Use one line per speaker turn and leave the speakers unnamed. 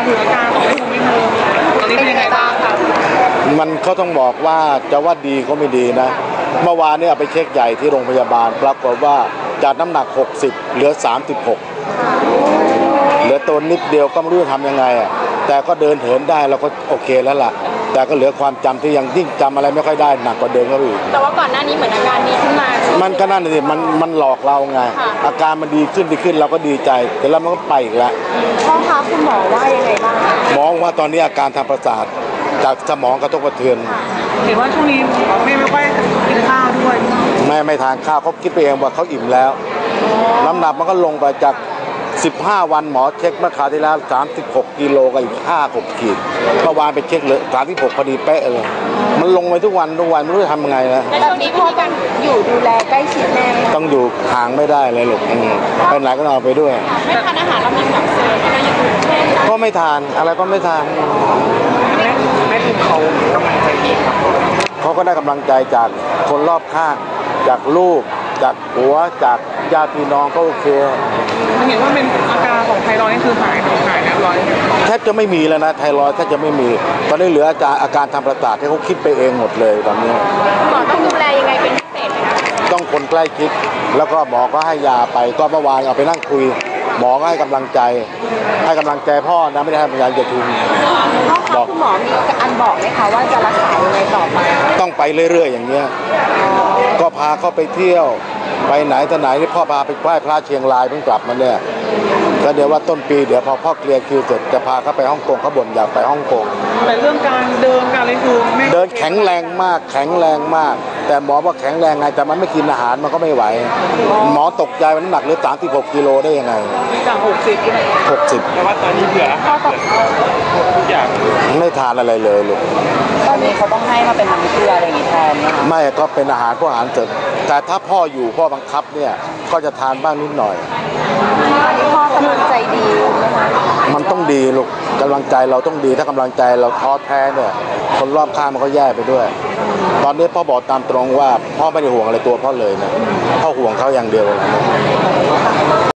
ถึงอาการของแม่ทุมนิดนึงตอนนี้เป็นยังไงบ้างคะ
มันเขาต้องบอกว่าจะว่าดีก็ไม่ดีนะเมื่อวานเนี่ยไปเช็คใหญ่ที่โรงพยาบาลปรากฏว่าจากน้ำหนัก60เหลือ36เหลือตัวนิดเดียวก็ไม่รู้จะทำยังไงอ่ะแต่ก็เดินเหินได้เราก็โอเคแล้วล่ะแต่ก็เหลือความจำที่ยังยิ่งจำอะไรไม่ค่อยได้หนักกว่าเดิมก็อีก
แต่ว่าก่อนหน้านี้เหมือนอาการดีขึ้นมา
มันก็นั่นสิมันหลอกเราไงอาการมันดีขึ้นเราก็ดีใจแต่แล้วมันก็ไปอีกแล้ว
พ่อคะคุณหมอว่ายังไงบ้าง
หมอว่าตอนนี้อาการทางประสาทจากสมองกระทบกระเทือน
เห็นว่าช่วงนี้ไม่ค่อยกินข้าวด้วย
ไม่ทานข้าวเขาคิดไปเองว่าเขาอิ่มแล้วน้ำหนักมันก็ลงไปจาก15 วันหมอเช็คเมื่อคราวที่แล้ว36 กิโลกับอีก5-6 ขีดเมื่อวานไปเช็คเลย36พอดีเป๊ะเลยมันลงไปทุกวันไม่รู้จะทำยังไงนะ
แล้วช่วงนี้พ่อกันอยู่ดูแลใกล้ชิดแม่
ต้องอยู่ห่างไม่ได้เลยลูกไปไหนก็เอาไปด้วย
ไม่ทานอาหารเรามีแบบเสริมอะไรอย่างอื่นเช่น
ก็ไม่ทานอะไรก็ไม่ทาน
แม่ทุมเขากำลังใจดีครับ
เขาก็ได้กำลังใจจากคนรอบข้างจากลูกจากผัวจากญาติพี่น้องก็โอเค
เห็นว่าเป็นอาการของไทรอยด์นี่คือหายเรียบร้อย
แทบจะไม่มีแล้วนะไทรอยด์แทบจะไม่มีตอนนี้เหลืออาการทางประสาทที่เขาคิดไปเองหมดเลยตอนนี้
หมอต้องดูแลยังไงเป็นพิเศษไหมคะ
ต้องคนใกล้ชิดแล้วก็หมอก็ให้ยาไปก็เมื่อวานเอาไปนั่งคุยหมอก็ให้กำลังใจพ่อนะไม่ได้ให้กำลังใจทุน
บอกคุณหมอมีอันบอกไหมคะว่าจะรักษายังไงต่อไป
ต้องไปเรื่อยๆอย่างเงี้ยก็พาเขาไปเที่ยวไปไหนต่อไหนที่พ่อพาไปไหว้พระเชียงรายเพิ่งกลับมาเนี่ยก็เดี๋ยวว่าต้นปีเดี๋ยวพอพ่อเคลียร์คิวเสร็จจะพาเขาไปฮ่องกงเขาบ่นอยากไปฮ่องกง
แต่เรื่องการเดินการอะไรคือ
เดินแข็งแรงมากแต่หมอว่าแข็งแรงไงแต่มันไม่กินอาหารมันก็ไม่ไหวหมอตกใจมันน้ำหนักเหลือ36 กิโลได้ยังไง
จาก60แต่ว่าตอนนี้เหลือทุกอย่าง
ไม่ทานอะไรเลยลูก
ตอนนี้เขาต้องให้มาเป็นน้ำเกลืออะไรอย่างนี้แทนนะคะ
ไม่ก็เป็นอาหารพวกอาหารเสริมแต่ถ้าพ่ออยู่พ่อบังคับเนี่ยก็จะทานบ้างนิดหน่อย
ตอนนี้พ่อกำลังใจดีนะคะ
มันต้องดีลูกกำลังใจเราต้องดีถ้ากำลังใจเราท้อแท้เนี่ยคนรอบข้างมันก็แย่ไปด้วยตอนนี้พ่อบอกตามตรงว่าพ่อไม่ได้ห่วงอะไรตัวพ่อเลยนะพ่อห่วงเขาอย่างเดียวเลย